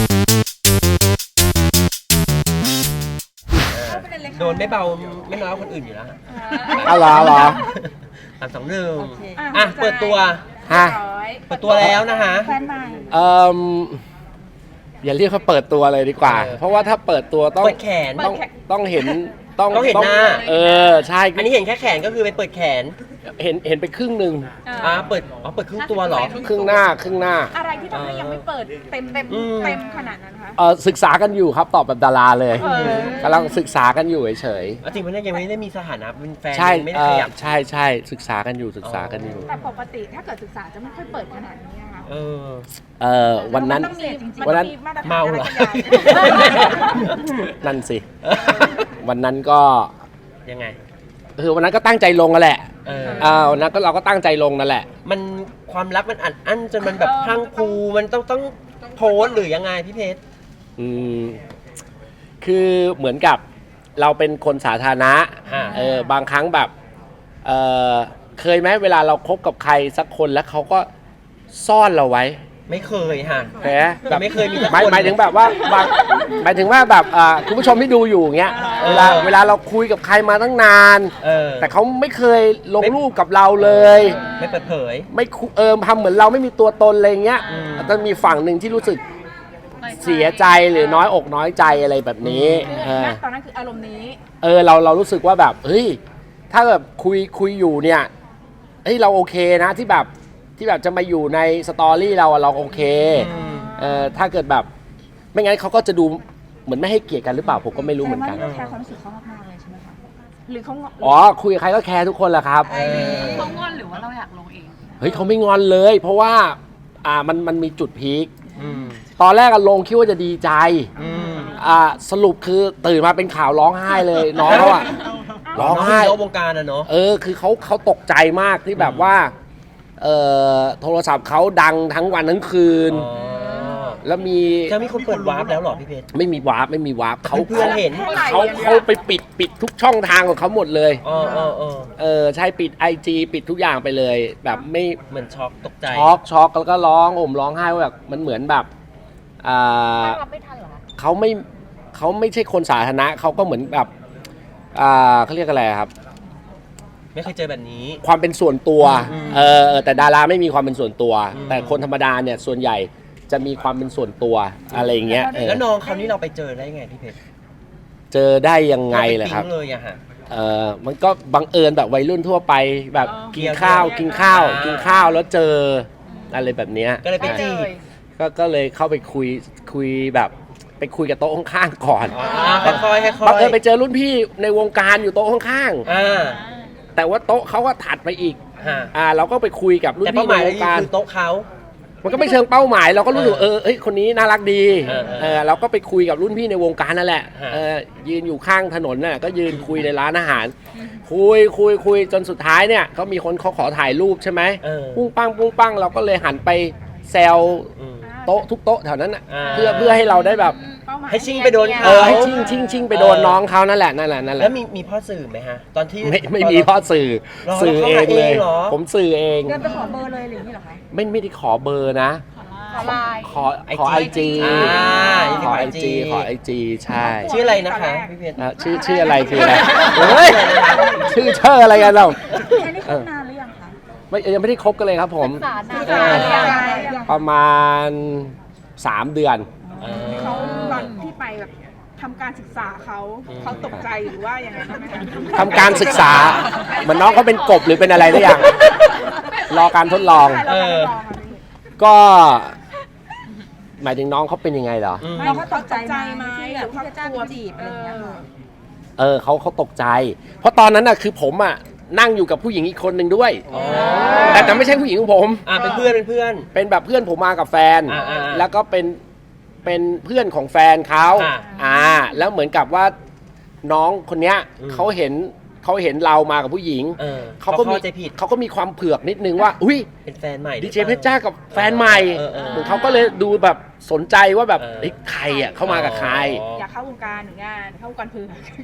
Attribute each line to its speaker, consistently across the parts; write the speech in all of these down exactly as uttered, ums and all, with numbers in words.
Speaker 1: โดนไม่เบาไม่น้อยคนอื่นอยู่แล้ว
Speaker 2: เอาเหรอเหรอ
Speaker 1: สามสองหนึ่ง
Speaker 3: เค
Speaker 1: อ่ะเปิดตัว
Speaker 2: ฮะ
Speaker 1: เปิดตัวแล้วนะคะ
Speaker 3: แฟนใหม่
Speaker 2: เอ่ออย่าเรียกเขาเปิดตัวเลยดีกว่า
Speaker 1: เออ
Speaker 2: เพราะว่าถ้าเปิดตัวต้อง
Speaker 1: เปิดแขน
Speaker 2: ต้องต้องเห็นต้อง
Speaker 1: ต้องเห็นหน้า
Speaker 2: เออใช่
Speaker 1: อันนี้เห็นแค่แขนก็คือไปเปิดแขน
Speaker 2: เห็นเห็นไปครึ่งหนึ่ง
Speaker 1: อ่ะเปิดอ๋อเปิดครึ่งตัวเหรอ
Speaker 2: ครึ่งหน้าครึ่งหน้า
Speaker 3: อะไรที่ทำให้ยังไม่เปิดเต็มเต็ม
Speaker 1: อืม
Speaker 3: เต็มขนาดนั้นคะ
Speaker 2: เออศึกษากันอยู่ครับตอบแบบดาราเลย
Speaker 3: เออ
Speaker 2: กำลังศึกษากันอยู่เฉย
Speaker 1: เอาจริงๆมันยังไม่ได้มีสถานะเป็นแฟน
Speaker 2: ๆใช่
Speaker 1: ยังไม่ได้
Speaker 2: เอ
Speaker 1: ข
Speaker 2: อ
Speaker 1: ยับ
Speaker 2: ใช่ใช่ศึกษากันอยู่ศึกษากันอยู่
Speaker 3: แต่ปกติถ้าเกิดศึกษาจะไม่ค่อยเปิดขนาดนี้นะคะ
Speaker 1: เออ
Speaker 2: เออวันนั้น
Speaker 3: มัต้องมีมั
Speaker 2: วันนั้น
Speaker 3: ต้องมีมาตรฐาน
Speaker 1: เมาเหรอ
Speaker 3: อะไรกันอย่าง
Speaker 2: นั่นสิ วันนั้นก็
Speaker 1: ยังไง
Speaker 2: คือวันนั้นก็ตั้งใจลงกันแหละ
Speaker 1: เออ
Speaker 2: เออวันนั้นก็เราก็ตั้งใจลงนั่นแหละ
Speaker 1: มันความรักมันอัดอั้นจนมันแบบพรังพรูมันต้องต้องโพสต์หรือยังไงพี่เพชร
Speaker 2: อืมคือเหมือนกับเราเป็นคนสาธารณะ
Speaker 1: อ่า
Speaker 2: เออบางครั้งแบบเออเคยไหมเวลาเราคบกับใครสักคนแล้วเขาก็ซ่อนเราไว้
Speaker 1: ไม่เคยค่ะ
Speaker 2: แหมแบบ
Speaker 1: ไม่เคยมีสักคน
Speaker 2: หมายหมายถึงแบบว่าบางหมายถึงว่าแบบอ่าคุณผู้ชมที่ดูอยู่อย่างเงี้ย
Speaker 1: เออ
Speaker 2: เวลาเวลาเราคุยกับใครมาตั้งนาน
Speaker 1: เออ
Speaker 2: แต่เขาไม่เคยลงรูปกับเราเลย
Speaker 1: ไม่เปิดเผย
Speaker 2: ไม่คุเออทำเหมือนเราไม่มีตัวตนอะไรเงี้ย
Speaker 1: อืม
Speaker 2: แต่มีฝั่งหนึ่งที่รู้สึกเสียใจหรือน้อยอกน้อยใจอะไรแบบนี้เออ
Speaker 3: ณตอนนั้นคืออารมณ์นี้
Speaker 2: เออเราเรารู้สึกว่าแบบเฮ้ยถ้าแบบคุยคุยอยู่เนี่ยเฮ้ยเราโอเคนะที่แบบที่แบบจะมาอยู่ในสตอรี่เราอะเราโอเค
Speaker 1: อืม
Speaker 2: เออถ้าเกิดแบบไม่งั้นเขาก็จะดูเหมือนไม่ให้เกียรติกันหรือเปล่าผมก็ไม่รู้เหมือนกัน
Speaker 3: แต่ว่าแคร์ความรู้สึกเขามากๆเลยใช่ไหมคะหรือเขาง
Speaker 2: อ๋อคุยกับใครก็แคร์ทุกคนแหละครับ
Speaker 1: เออ
Speaker 4: เขางอนหรือว่าเราอยากลงเอง
Speaker 2: เฮ้ยเขาไม่งอนเลย เพราะว่าอ่ามันมันมีจุดพีค
Speaker 1: อืม
Speaker 2: ตอนแรกอะลงคิดว่าจะดีใจ
Speaker 1: อืม
Speaker 2: อ่าสรุปคือตื่นมาเป็นข่าวร้องไห้เลย น้องเขาอะร้องไห้
Speaker 1: น้องวงการอะเนาะ
Speaker 2: เออคือเขาเขาตกใจมากที่แบบว่าเอ่อโทรศัพท์เขาดังทั้งวันทั้งคืน
Speaker 1: อ๋อ
Speaker 2: แล้วมี
Speaker 1: จะมีคนเปิดวาร์ปแล้วเหรอพี่เพชร
Speaker 2: ไม่มีวาร์ปไม่มีวาร์ปเขา
Speaker 1: เพื่อนเห็น
Speaker 2: เขาเขาไปปิดปิดทุกช่องทางของเขาหมดเลย
Speaker 1: อ๋ออ๋ออ๋อ
Speaker 2: เออใช่ปิด ไอ จี ปิดทุกอย่างไปเลย แบบไม่
Speaker 1: เหมือนช็อกตกใจ
Speaker 2: ช็อกช็อกแล้วก็ร้องโอมร้องไห้ว่าแบบมันเหมือนแบบอ่า
Speaker 3: รับไม่ทันเหรอ
Speaker 2: เขาไม่เขาไม่ใช่คนสาธารณะเขาก็เหมือนแบบอ่าเขาเรียกอะไรครับ
Speaker 1: ไม่เคยเจอแบบนี้
Speaker 2: ความเป็นส่วนตัว
Speaker 1: อืม
Speaker 2: เออเออแต่ดาราไม่มีความเป็นส่วนตัว
Speaker 1: อืม
Speaker 2: แต่คนธรรมดาเนี่ยส่วนใหญ่จะมีความเป็นส่วนตัวอะไรอย่างเงี้ยเออ
Speaker 1: แล้วน้องเขานี่เราไปเจอได้ไงพี่เพชร
Speaker 2: เจอได้ยังไงเหรอครับ
Speaker 1: าปปิ๊งเลยอะฮะ
Speaker 2: เออมันก็บังเอิญแบบวัยรุ่นทั่วไปแบบ
Speaker 3: อ๋อ
Speaker 2: กินข้าว
Speaker 1: เกี่ยว
Speaker 2: กินข้าว
Speaker 1: อ่ากิ
Speaker 2: กินข้าวแล้วเจออะไรแบบเนี้ย
Speaker 1: ก็เลยไปจีบ
Speaker 2: ก็ก็เลยเข้าไปคุยคุยแบบไปคุยกับโต๊ะข้างๆก่อน
Speaker 1: อ๋อค่อยๆค่อยๆ
Speaker 2: บังเอิญไปเจอรุ่นพี่ในวงการอยู่โต๊ะข้าง
Speaker 1: อ่า
Speaker 2: ๆแต่ว่าโต๊ะเขาก็ถัดไปอีก
Speaker 1: ฮะ
Speaker 2: อ่าเราก็ไปคุยกับรุ่น
Speaker 1: แต่เป้า
Speaker 2: พี่
Speaker 1: หมาย
Speaker 2: ในว
Speaker 1: เรา
Speaker 2: งการ
Speaker 1: คือโต๊ะเขา
Speaker 2: มันก็ไม่เชิงเป้าหมายเราก็รู้สึกว่าเออเอ้ยคนนี้น่ารักดี
Speaker 1: เออเออ
Speaker 2: เออเราก็ไปคุยกับรุ่นพี่ในวงการนั่นแหละ
Speaker 1: ฮะ
Speaker 2: เออยืนอยู่ข้างถนนน่ะก็ยืนคุยในร้านอาหาร คุยคุยคุยจนสุดท้ายเนี่ยก็มีคนเขาขอถ่ายรูปใช่ไหม
Speaker 1: เออ
Speaker 2: ปุ้งปังปุ้งปังเราก็เลยหันไปแซว
Speaker 1: อืม
Speaker 2: โต๊ะทุกโต๊ะแถวนั้นน่ะ
Speaker 1: อ่า
Speaker 2: เพื่อเพื่อให้เราได้แบบ
Speaker 3: เป้าหมาย
Speaker 1: ให้ชิงไปโดน
Speaker 2: เออให้ชิงชิงชิงไปโดนน้องเขานั่นแหละนั่นแหละนั่นแห
Speaker 1: แล้
Speaker 2: ละ
Speaker 1: วมีมีพ่อสื่อไหมฮะ ตอนที่
Speaker 2: ไม่ไม่มีพ่อสื่อ
Speaker 1: หรอ
Speaker 2: สื่อเองเลย
Speaker 1: เขาหาเองเหรอ
Speaker 2: ผมสื่อเอง
Speaker 3: เดินไปขอเบอร์เลยหรือนี่เหรอคะ
Speaker 2: ไม่ไม่ได้ขอเบอร์นะ
Speaker 3: ขอไลน์
Speaker 2: ขอขอไอจี
Speaker 1: อ่า
Speaker 2: ขอไอจีขอไอจีใช่
Speaker 1: ชื่ออะไรนะคะพี่เพชร
Speaker 2: อ่ะชื่อชื่ออะไรคืออะไรเฮ้ยชื่อเชื่ออะไรกันเรา
Speaker 3: อันนี้คบนานหรือยังคะ
Speaker 2: ไม่ยังไม่ได้คบกันเลยครับผม
Speaker 3: นาน
Speaker 2: เออ
Speaker 3: หรือยัง
Speaker 2: ประมาณสามเดือน
Speaker 1: เอ
Speaker 3: เขา
Speaker 1: อ
Speaker 3: ตอนที่ไปแบบทำการศึกษาเขาเขาตกใจหรือว่ายังไงบ้างไหมคะ
Speaker 2: ทำการศึกษาเหมือนน้องเขาเป็นกบหรือเป็นอะไรหรือยังรอการทดลอง
Speaker 3: ใช่เราการทดลองค่ะพี่
Speaker 2: ก็ หมายถึงน้องเขาเป็นยังไงเหรอ
Speaker 1: อืม
Speaker 3: น้องเขาตกใจไหมหรือเขากลัวจีบอะไรอย่างเงี้ยค่ะ
Speaker 2: เออเขาเขาตกใจ เพราะตอนนั้นน่ะคือผมอ่ะนั่งอยู่กับผู้หญิงอีกคนหนึ่งด้วย
Speaker 1: อ๋อ
Speaker 2: แต่แต่ไม่ใช่ผู้หญิงของผม
Speaker 1: อ่าเป็นเพื่อนเป็นเพื่อน
Speaker 2: เป็นแบบเพื่อนผมมากับแฟน
Speaker 1: อ่าอ่าอ่า
Speaker 2: แล้วก็เป็นเป็นเพื่อนของแฟนเขา
Speaker 1: อ่า
Speaker 2: อ่า แล้วเหมือนกับว่าน้องคนเนี้ย
Speaker 1: อืม
Speaker 2: เขาเห็นเขาเห็นเรามากับผู้หญิง
Speaker 1: เออ
Speaker 2: เขาก็มี
Speaker 1: เข้าใจผิด
Speaker 2: เขาก็มีความเผือกนิดนึงว่า อุ้ย
Speaker 1: เป็นแฟนใหม่
Speaker 2: ดีเจเพชรจ้ากับแฟนใหม่
Speaker 1: เออเออ
Speaker 2: เหมือนเขาก็เลยดูแบบสนใจว่าแบบ
Speaker 1: เออ
Speaker 2: เฮ้ยใครอ่ะเข้ามากับใคร
Speaker 3: อยากเข้าวงการหรืองานเข้าวงการเพื่อน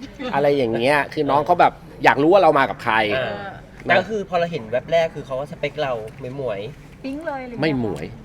Speaker 2: อะไรอย่างเงี้ย คือน้องเขาแบบอยากรู้ว่าเรามากับใคร
Speaker 1: อ่าแต่ก็คือพอเราเห็นแว็บแรกคือเขาว่าสเปคเราไม่หมวย
Speaker 3: ปิ๊งเลยหรือ
Speaker 2: ไม่หมวย
Speaker 1: อ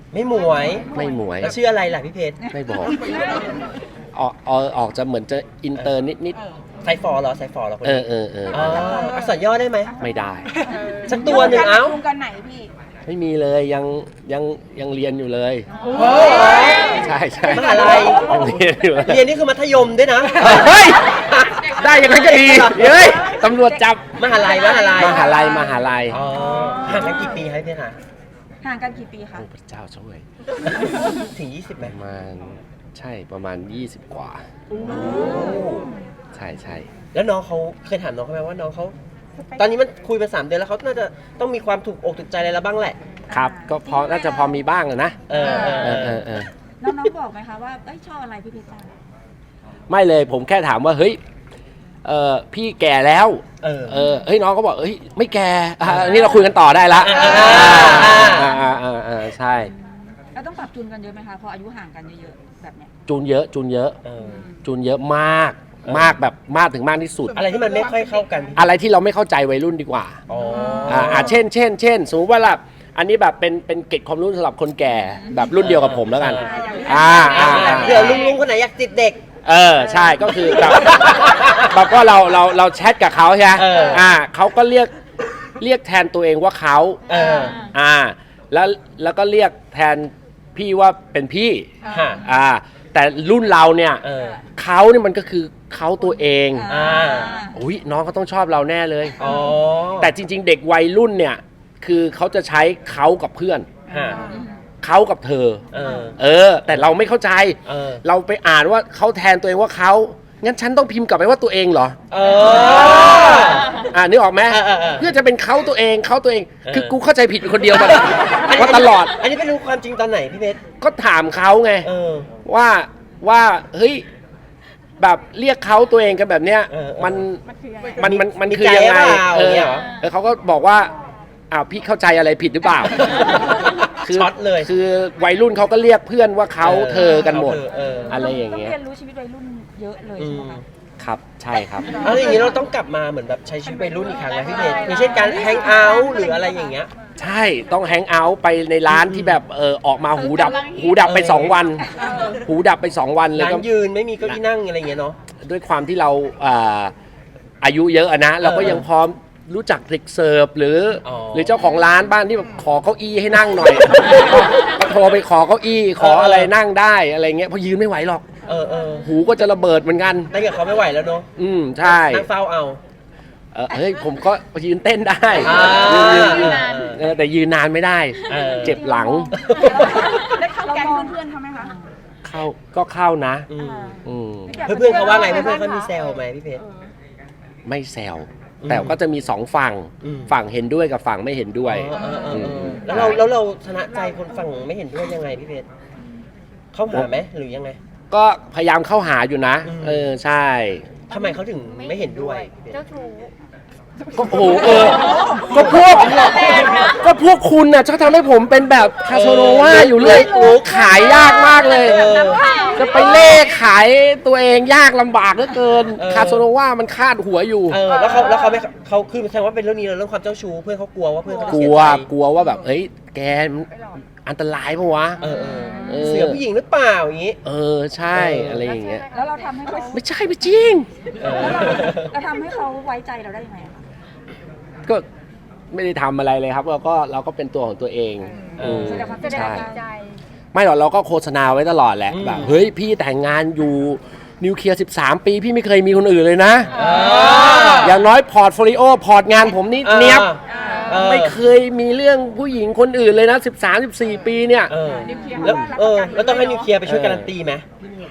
Speaker 1: ไม่หมวย
Speaker 2: ไม่หมวย
Speaker 1: แล้วชื่ออะไรล่ะพี่เพชร
Speaker 2: ไม่บอกออกออกออกจะเหมือนจะอินเตอร์นิดนิด
Speaker 1: ไซฟอร์เหรอไซฟอร์เหรอคน
Speaker 2: เอ
Speaker 1: นี้
Speaker 2: อเออเออ
Speaker 1: อ๋ออักษรย่อได้ไหม
Speaker 2: ไม่ได้
Speaker 1: สักตัวหนึ่งเอ้า
Speaker 3: รวมกันไหนพี่
Speaker 2: ไม่มีเลยยังยังยังเรียนอยู่เลย
Speaker 1: โอ้
Speaker 2: ใช่ใช่
Speaker 1: มหาลัย
Speaker 2: ยังเรียนอยู่เลย
Speaker 1: เรียนนี่คือมัธยมด้วยนะ
Speaker 2: เฮ้ยได้ยังไงก็ดีเฮ้ยตำรวจจับ
Speaker 1: มหาลัยมหาลัย
Speaker 2: มหาลัยมหาลัย
Speaker 1: อ๋อห่างกันกี่ปีครับพี่เพชรคะ
Speaker 3: ห่างกันกี่ปีคะ
Speaker 2: โอ้พระเจ้าช่วย
Speaker 1: ถึงยี่สิบไหม
Speaker 2: ประมาณใช่ประมาณยี่สิบกว่า ใช่ใช่
Speaker 1: แล้วน้องเขาเคยถามน้องเขาไหมว่าน้องเขาตอนนี้มันคุยมาสามเดือนแล้วเขาน่าจะต้องมีความถูกอกถูกใจอะไรแล้วบ้างแหละ
Speaker 2: ครับก็พอน่าจะพอมีบ้างอะนะ
Speaker 1: เออเออ
Speaker 2: เอ
Speaker 1: เอ
Speaker 2: อ
Speaker 1: อ
Speaker 2: เออเออ
Speaker 3: น้องๆบอกไหมคะว่าเอ้ยชอบอะไรพี่เพชรจ้า
Speaker 2: ไม่เลยผมแค่ถามว่าเฮ้ยเออพี่แก่แล้ว
Speaker 1: เออ
Speaker 2: เออเฮ้ยน้องก็บอกเฮ้ยไม่แก่อ่ะอันนี้เราคุยกันต่อได้ละ
Speaker 1: อ่า
Speaker 2: อ่าอ่าอ่าอ่าใช่
Speaker 3: แล้วต้องปรับจูนกันเยอะไหมคะพออายุห่างกันเยอะๆแบบเนี้ย
Speaker 2: จูนเยอะจูนเยอะ
Speaker 1: เออ
Speaker 2: จูนเยอะมาก
Speaker 1: เออ
Speaker 2: มากแบบมากถึงมากที่สุด
Speaker 1: อะไรที่มันไม่ค่อยเข้ากัน
Speaker 2: อะไรที่เราไม่เข้าใจวัยรุ่นดีกว่า
Speaker 1: อ๋อ
Speaker 2: อ่าอ่าเช่นเช่นเช่นสมมติว่าล่ะอันนี้แบบเป็นเป็นเกร็ดความรู้สำหรับคนแก่แบบรุ่นเดียวกับผมแล้วกัน อ่าอ่าอ่า
Speaker 1: เดี๋ยวลุงลุงคนไหนอยากติดเด็ก
Speaker 2: เออใช่ก็คือแบบแบบว่าเราเราเราแชทกับเขาใช่ไหม
Speaker 1: เอออ่
Speaker 2: อ่าเขาก็เรียกเรียกแทนตัวเองว่าเขา
Speaker 1: เออ
Speaker 2: อ่าแล้วแล้วก็เรียกแทนพี่ว่าเป็นพี่
Speaker 1: ค่ะ
Speaker 2: อ่าแต่รุ่นเราเนี่ย
Speaker 1: เออ
Speaker 2: เขาเนี่ยมันก็คือเขาตัวเอง
Speaker 1: อ่า
Speaker 2: อุ้ยน้องเขาต้องชอบเราแน่เลย
Speaker 1: อ๋อ
Speaker 2: แต่จริง ๆ เด็กวัยรุ่นเนี่ยคือเขาจะใช้เขากับเพื่อน
Speaker 1: ฮะ
Speaker 2: เขากับเธอ
Speaker 1: เออ
Speaker 2: เออ แต่เราไม่เข้าใจ
Speaker 1: เออ
Speaker 2: เราไปอ่านว่าเขาแทนตัวเองว่าเขางั้นฉันต้องพิมพ์กลับไปว่าตัวเองเหรอ
Speaker 1: เออ
Speaker 2: อ่านึกออกไหม
Speaker 1: เออเออเออ
Speaker 2: เพื่อจะเป็นเขาตัวเองเขาตัวเอง
Speaker 1: เออ
Speaker 2: คือกูเข้าใจผิดเป็นคนเดียวมาว่าตลอด
Speaker 1: อันนี้เป็นรู้ความจริงตอนไหนพี่เพชร
Speaker 2: ก็ถามเขาไง
Speaker 1: เออ
Speaker 2: ว่าว่าเฮ้ยแบบเรียกเขาตัวเองกันแบบเนี้ย
Speaker 1: เออเออ
Speaker 2: มัน
Speaker 3: มันคือยังไง
Speaker 2: มันมันมัน
Speaker 1: มี
Speaker 2: คือยังไง
Speaker 1: ใจหรือเปล่า
Speaker 2: เออ
Speaker 1: เนี่ยเหรอ
Speaker 2: แล้วเขาก็บอกว่าอ้าวพี่เข้าใจอะไรผิดหรือเปล่า
Speaker 1: ช็อตเลย
Speaker 2: คือวัยรุ่นเขาก็เรียกเพื่อนว่าเขาเธอกันหมด
Speaker 1: เออเออ
Speaker 2: อะไรอย่าง
Speaker 3: ต้อง
Speaker 2: เงี้ย
Speaker 3: เรียนรู้ชีวิตวัยรุ่นเยอะเลย
Speaker 1: อื
Speaker 3: ใช่ไหม
Speaker 1: ม
Speaker 3: คะ
Speaker 2: ครับใช่ครับ
Speaker 1: แล้วอย่างนี้เราต้องกลับมาเหมือนแบบใช้ชีวิตวัยรุ่นอีกครั้งนะพี่เพชรอย่างเช่นการแฮงเอาท์หรืออะไรอย่างเงี้ย
Speaker 2: ใช่ต้องแฮงเอาท์ไปในร้านที่แบบเออออกมาหูดับ หูดับไปสองวัน หูดับไปสองวันเลย
Speaker 1: ร้า
Speaker 2: ก็
Speaker 1: นยืนไม่มีเก้าอี้นั่งอะไรอย่างเงี้ยเนาะ
Speaker 2: ด้วยความที่เราอ่าอายุเยอะอะนะ เราก็ยังพร้อมรู้จักเด็กเสิร์ฟหรืออ
Speaker 1: อ
Speaker 2: หรือเจ้าของร้านบ้านที่แบบขอเก้าอี้ให้นั่งหน่อย ก็โทรไปขอเก้าอี้ขออะไรนั่งได้อะไรเงี้ยเพราะยืนไม่ไหวหรอก
Speaker 1: เออเออ
Speaker 2: หูก็จะระเบิดเหมือนกัน
Speaker 1: นั่งกับเขาไม่ไหวแล้วเนาะ
Speaker 2: อืมใช่
Speaker 1: นั่งเฝ้าเอา
Speaker 2: เออเฮ้ยผมก็ยืนเต้นได้
Speaker 1: อ่า
Speaker 2: ยืนยืนยืน
Speaker 1: เออ
Speaker 2: เออแต่ยืนนานไม่ได้
Speaker 1: เออ
Speaker 2: เจ็บหลัง
Speaker 3: ได้เข้าแก๊งเพื่อนๆเขาไหมคะ
Speaker 2: เข้าก็เข้านะ
Speaker 1: อืม
Speaker 2: อืม
Speaker 1: เพื่อนๆเขาว่าไงเพื่อนๆเขามีแซวไหมพี่เพชร
Speaker 2: ไม่แซว
Speaker 1: อืม
Speaker 2: แต่ก็จะมีสองฝั่ง
Speaker 1: อืม
Speaker 2: ฝั่งเห็นด้วยกับฝั่งไม่เห็นด้วย
Speaker 1: เออเออเออเออ
Speaker 2: ม
Speaker 1: แล้วเราแล้วเราชนะใจคนฝั่งไม่เห็นด้วยยังไงพี่เพชรเข้าหาไหมหรือยังไง
Speaker 2: ก็พยายามเข้าหาอยู่นะ
Speaker 1: อืม
Speaker 2: เออใช่
Speaker 1: ทำไมเขาถึงไม่เห็นด้วยพี่เพชร
Speaker 4: เจ้าชู้
Speaker 2: ก็โอ้โหเออก็พวกก็พวกคุณน่ะชอบทำให้ผมเป็นแบบคาโซโนวาอยู่เรื่อยโอ้ขายยากมากเลย
Speaker 1: เออ
Speaker 2: จะไปเล่ขายตัวเองยากลำบากเหลือเกิน
Speaker 1: เออ
Speaker 2: คาโซโนวามันคาดหัวอยู่
Speaker 1: เออแล้วเขาแล้วเขาไม่เขาคือแสดงว่าเป็นเรื่องนี้เรื่องความเจ้าชู้เพื่อนเขากลัวว่าเพื่อนเขาจะ
Speaker 2: ก
Speaker 1: เสี
Speaker 2: ลั
Speaker 1: ยว ใจ
Speaker 2: กลัวว่าแบบเอ้ยแกมันอันตรายปะวะ
Speaker 1: เออเออ
Speaker 2: เออ
Speaker 1: เสือผู้หญิงหรือเปล่าอย่างงี้
Speaker 2: เออใช่
Speaker 1: เอออ
Speaker 2: อะไรอย่างเงี้ย
Speaker 3: แล้วเราทำให้เขา
Speaker 2: ไม่ใช่ไม่จริง
Speaker 1: เออ
Speaker 3: เราทำให้เขาไว้ใจเราได้ยังไงอะคะ
Speaker 2: ก็ไม่ได้ทำอะไรเลยครับเราก็เราก็เป็นตัวของตัวเอง
Speaker 1: เออ
Speaker 2: ม
Speaker 3: แสดงความ
Speaker 4: แสดง
Speaker 2: ใช่
Speaker 4: ความจริงใจ
Speaker 2: ไม่หรอกเราก็โฆษณาไว้ตลอดแหละ
Speaker 1: อืม
Speaker 2: แบบเฮ้ยพี่แต่งงานอยู่นิวเคลียร์สิบสามปีพี่ไม่เคยมีคนอื่นเลยนะ
Speaker 1: เออ
Speaker 2: อย่างน้อยพอร์ตโฟลิโอพอร์ตงานผมนี่เนี้ยบ
Speaker 1: เออ
Speaker 2: ไม่เคยมีเรื่องผู้หญิงคนอื่นเลยนะสิบสาม สิบสี่ปีเนี่ย
Speaker 1: เออแล้วเออแล้วต้องให้นิวเคลียร์ไปช่วยการันตีไหม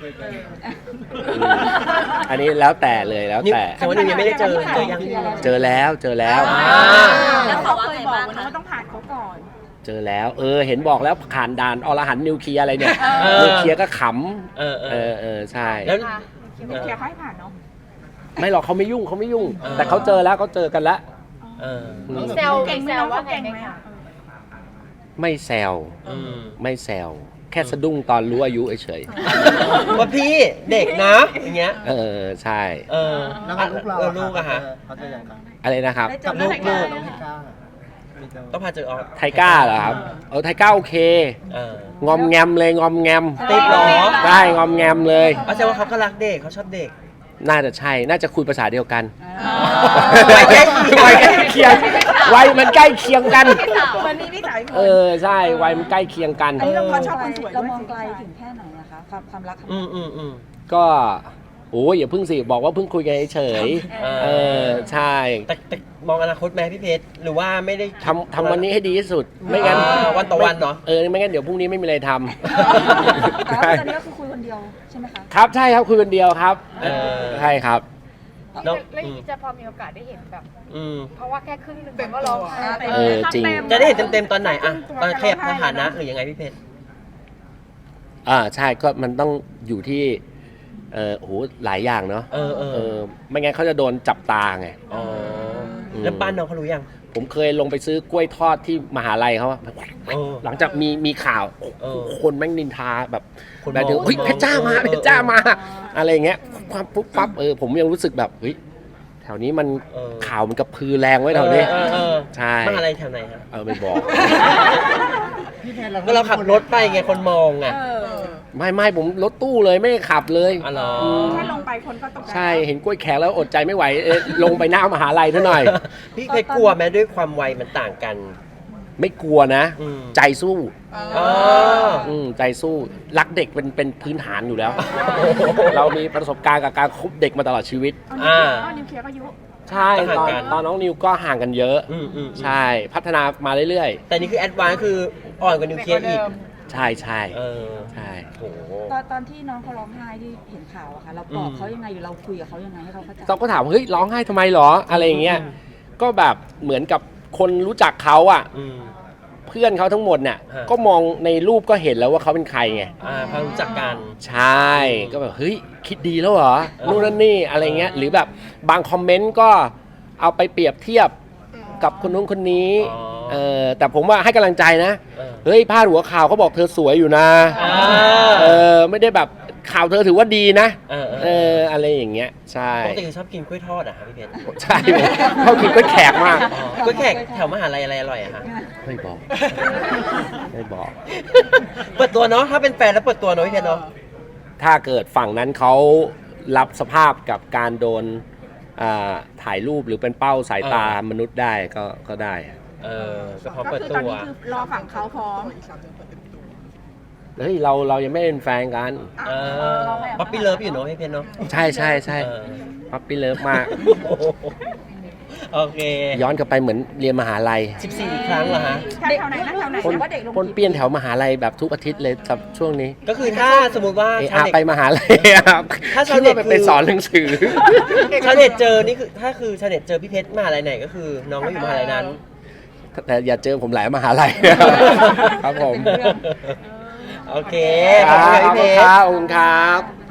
Speaker 2: อันนี้แล้วแต่เลยแล้ว
Speaker 1: นิว
Speaker 2: แต่
Speaker 1: แต่ว่านิวยังไม่ได้เจอเจอยัง
Speaker 2: เจอแล้วเจอแล้ว
Speaker 1: อ่า
Speaker 3: แล้วเขาเคยบอกนะว่าต้องผ่านเขาก่อน
Speaker 2: เจอแล้วเออเห็นบอกแล้วผ่านด่านอรหันต์นิวเคลียร์อะไรเนี่ย
Speaker 1: เออ
Speaker 2: นิวเคลียร์ก็ข
Speaker 1: เออ
Speaker 2: ำ
Speaker 1: เอ
Speaker 2: เอ
Speaker 1: อ
Speaker 2: อเออใช่
Speaker 1: แล้ว
Speaker 3: นิวเคลียร์เขาให้ผ่านเนาะ
Speaker 2: ไม่หรอกเขาไม่ยุ่งเขาไม่ยุ่ง
Speaker 1: เออ
Speaker 2: แต่เขาเจอแล้วเขาเจอกันแล้ว
Speaker 1: เออ
Speaker 2: อืม
Speaker 4: เซล
Speaker 3: เก่งไหม
Speaker 4: เซล
Speaker 3: น้อง
Speaker 4: ว่า
Speaker 3: เขา
Speaker 4: ไง
Speaker 3: เก่ง
Speaker 4: ไหม
Speaker 3: ไหม
Speaker 4: คะ
Speaker 3: อะ
Speaker 2: ไม่แซว
Speaker 1: อืม
Speaker 2: ไม่แซวแค่สะดุ้งตอนรู้อายุเฉย
Speaker 1: ว่าพี่เด็กนะอย่างเงี้ย
Speaker 2: ๆเออใช่
Speaker 1: เออ
Speaker 5: แล้วกับลูกเรา
Speaker 1: เออลูกอะฮะ
Speaker 5: เขาจะยังไง
Speaker 2: อะไรนะครับ
Speaker 3: ได้เจ
Speaker 5: กั
Speaker 3: อบ
Speaker 5: ลูก
Speaker 3: ลู
Speaker 5: ลู
Speaker 3: ก
Speaker 5: กน้องพิก้า
Speaker 1: ต้องพาเจอออฟ
Speaker 2: ไทก้าเหรอครับเออไทก้าโอเค
Speaker 1: เออง
Speaker 2: อมแงมเลยงอมแงม
Speaker 1: ติดเหรอ
Speaker 2: ได้งอมแงมเลย
Speaker 1: เอาแสดงว่าเขาก็รักเด็กเขาชอบเด็ก
Speaker 2: น่าจะใช่น่าจะคุยภาษาเดียวกัน
Speaker 1: วัยใกล้เคียง
Speaker 2: วัยใกล้เคียงวัยมันใกล้เคียงกัน
Speaker 3: วันนี้พี่สาวอีกค
Speaker 2: เอน อใช่วัยมันใกล้เคียงกัน
Speaker 3: อันนี้เราเขาชอบคนสวย
Speaker 5: เรา
Speaker 3: ด้วย
Speaker 5: มองไกลถึงแค่ไหนอะคะความความรักของ
Speaker 1: อืมอืมอืม
Speaker 2: ก็โอ้ยอย่าเพิ่งสิบอกว่าเพิ่งคุยกันเฉย
Speaker 1: เออ
Speaker 2: ๆเออใช่
Speaker 1: แต่แต่มองอนาคตไหมพี่เพชรหรือว่าไม่ได้
Speaker 2: ทำทำวันนี้ให้ดีที่สุดไม่งั้น
Speaker 1: อ่าวันต่อวันเนอะ
Speaker 2: เออไม่งั้นเดี๋ยวพรุ่งนี้ไม่มีอะไรท
Speaker 5: แต่
Speaker 2: ำ
Speaker 5: ว่าตอนนี้ก็คือคุยคนเดียวใช่ไหมคะ
Speaker 2: ครับใช่ครับคุยคนเดียวครับ
Speaker 1: เออ
Speaker 2: ใช่ครับ
Speaker 1: น้อง
Speaker 4: แล้วอย่างนี้จะพอมีโอกาสได้เห็นแบบ
Speaker 1: อืม
Speaker 4: เพราะว่าแค่ครึ่งหนึงมันก็ร้องไห้ไป
Speaker 2: เออจริง
Speaker 1: จะได้เห็นเต็มๆตอนไหนอะตอนขยับสถานะหรือยังไงพี่เพชร
Speaker 2: อ่าใช่ก็มันต้องอยู่ที่เออโหหลายอย่างเนาะ
Speaker 1: เออเออ
Speaker 2: เออไม่งั้นเขาจะโดนจับตาไง
Speaker 1: อ๋อแล้วบ้านน้องเขารู้ยัง
Speaker 2: ผมเคยลงไปซื้อกล้วยทอดที่มหาลัยเขาอะ
Speaker 1: เออ
Speaker 2: หลังจากมีมีข่าว
Speaker 1: เออ
Speaker 2: คนแม่งนินทาแบบ
Speaker 1: คน
Speaker 2: แบบเดียว
Speaker 1: มอง
Speaker 2: เฮ้ย
Speaker 1: คนมอง
Speaker 2: เพชรจ้ามา
Speaker 1: เออ
Speaker 2: เพชรจ้ามา อะไรอย่างเงี้ยความปุ๊บปั๊บเออผมยังรู้สึกแบบเฮ้ยแถวนี้มัน
Speaker 1: เออ
Speaker 2: ข่าวมันกระพือแรงไว้แถวนี้
Speaker 1: เออเออ
Speaker 2: ใช่
Speaker 1: มหาลัยแถวไหนฮะ
Speaker 2: เออไม่บอก
Speaker 1: ก็เราขับรถไปไงคนมองไง
Speaker 3: เออ
Speaker 2: ไม่ไม่ผมรถตู้เลยไม่ได้ขับเลย
Speaker 1: อ๋อเหรอ
Speaker 3: แค่ลงไปคนก็ตกใจ
Speaker 2: ใช่เห็นกล้วยแขกแล้วอดใจไม่ไหวเออลงไปหน้ามหาลัยเท่าหน่อย
Speaker 1: พี่เพชรกลัวไหมด้วยความวัยมันต่างกัน
Speaker 2: ไม่กลัวนะ
Speaker 1: อืม
Speaker 2: ใจสู้
Speaker 1: อ๋อ
Speaker 2: อืมใจสู้รักเด็กเป็นเป็นพื้นฐานอยู่แล้ว เรามีประสบการณ์กับการคบเด็กมาตลอดชีวิต
Speaker 1: อ่า
Speaker 3: เอานิวเคลียร์ก็ยุ
Speaker 2: ใช่
Speaker 1: ก็ห่าง
Speaker 2: ตอน
Speaker 1: กัน
Speaker 2: ตอนน้องนิวก็ห่างกันเยอะ
Speaker 1: อืมอืมอืม
Speaker 2: ใช่พัฒนามาเรื่อย
Speaker 1: แต่นี่คือแอดวานซ์คืออ่อนกว่านิวเคลียร์อีก
Speaker 2: ๆ ใช่ใช่
Speaker 1: เออ
Speaker 2: ใช่
Speaker 1: โห
Speaker 5: ตอนตอนที่น้องเขาร้องไห้ที่เห็นข่าวอะค่ะเราปลอบ
Speaker 1: อืม
Speaker 5: เขายังไงหรือเราคุยกับเขายังไงให้เขาเข้าใจ
Speaker 2: เราก็ถามว่าเฮ้ยร้องไห้ทำไมหรออะไรอย่างเงี้ย
Speaker 1: อืม
Speaker 2: ก็แบบเหมือนกับคนรู้จักเขาอ่ะ
Speaker 1: อืม
Speaker 2: เพื่อนเขาทั้งหมดเนี่ย
Speaker 1: ฮะ
Speaker 2: ก็มองในรูปก็เห็นแล้วว่าเขาเป็นใครไง
Speaker 1: อ่าพอรู้จักกัน
Speaker 2: ใช่ก็แบบเฮ้ยคิดดีแล้วเหรอ
Speaker 1: เออ
Speaker 2: นู่นนั่นนี่อะไรเงี้ยหรือแบบบางคอมเมนต์ก็เอาไปเปรียบเทียบกับคนนู้นคนนี้
Speaker 1: อ๋อ
Speaker 2: เออแต่ผมว่าให้กำลังใจนะ
Speaker 1: เออ
Speaker 2: เฮ้ยพาดหัวข่าวเขาบอกเธอสวยอยู่นะ
Speaker 1: อ่า
Speaker 2: เออไม่ได้แบบข่าวเธอถือว่าดีนะ
Speaker 1: เออเออ
Speaker 2: เอออะไรอย่างเงี้ยใช่
Speaker 1: ปกติชอบกินกล้วยทอดอะคะพี่เพชร
Speaker 2: ใช่เขากินก็แขกมาก
Speaker 1: อ๋อกล้วยแขกแถวมหาลัยอะไรอร่อยอะคะ
Speaker 2: ไม่บอก ไม่บอก
Speaker 1: เปิดตัวเนาะถ้าเป็นแฟนแล้วเปิดตัวเนาะพี่เพชรเนาะ
Speaker 2: ถ้าเกิดฝั่งนั้นเขารับสภาพกับการโดนอ่าถ่ายรูปหรือเป็นเป้าสายตามนุษย์ได้ก็ก็ได้
Speaker 1: เออก็พร้อม
Speaker 3: ก็
Speaker 1: เปิด
Speaker 3: คือ
Speaker 1: ตั
Speaker 3: ตอน
Speaker 1: ว
Speaker 3: นี้คือรอฝั่งเขาพร้อม
Speaker 2: เฮ้ยเราเรายังไม่เป็นแฟนกัน
Speaker 1: เออป๊อปปี้เลิฟอยู่เนาะพี่เพชรเนาะ
Speaker 2: ใช่ใช่ใช่
Speaker 1: เออ
Speaker 2: ปั๊ปปี้เลิฟมาก
Speaker 1: โอ้โหโอเค
Speaker 2: ย้อนกลับไปเหมือนเรียนมหาลัย
Speaker 1: สิบสี่ครั้งเหรอฮะ
Speaker 3: แถวไหนนะแถวไหน
Speaker 2: คน
Speaker 3: นะ
Speaker 5: ว่าเด็กลง
Speaker 2: คนเปลี่ยนแถวมหาลัยแบบทุกอาทิตย์เลยกับช่วงนี้
Speaker 1: ก็คือถ้าสมมุติว่า
Speaker 2: เอ
Speaker 1: ชาว
Speaker 2: อา
Speaker 1: เน็ต
Speaker 2: ไปมหาลัยครับ
Speaker 1: ถ้าชาว
Speaker 2: คิด
Speaker 1: เน็ต
Speaker 2: ว่า
Speaker 1: คือ
Speaker 2: ไปสอนหนังสือ
Speaker 1: ชาวเน็ตเจอนี่คือถ้าคือชาวเน็ตเจอพี่เพชรมหาลัยไหนก็คือน้องก็อยู่มหาลัยนั้น
Speaker 2: แต่อย่าเจอผมหลายมหาลัย ครับผม
Speaker 1: โอเค
Speaker 2: ค
Speaker 1: ขอบ
Speaker 2: รั
Speaker 1: คุณ
Speaker 2: บ
Speaker 1: พี่เพชร
Speaker 2: ขอบคุณครับ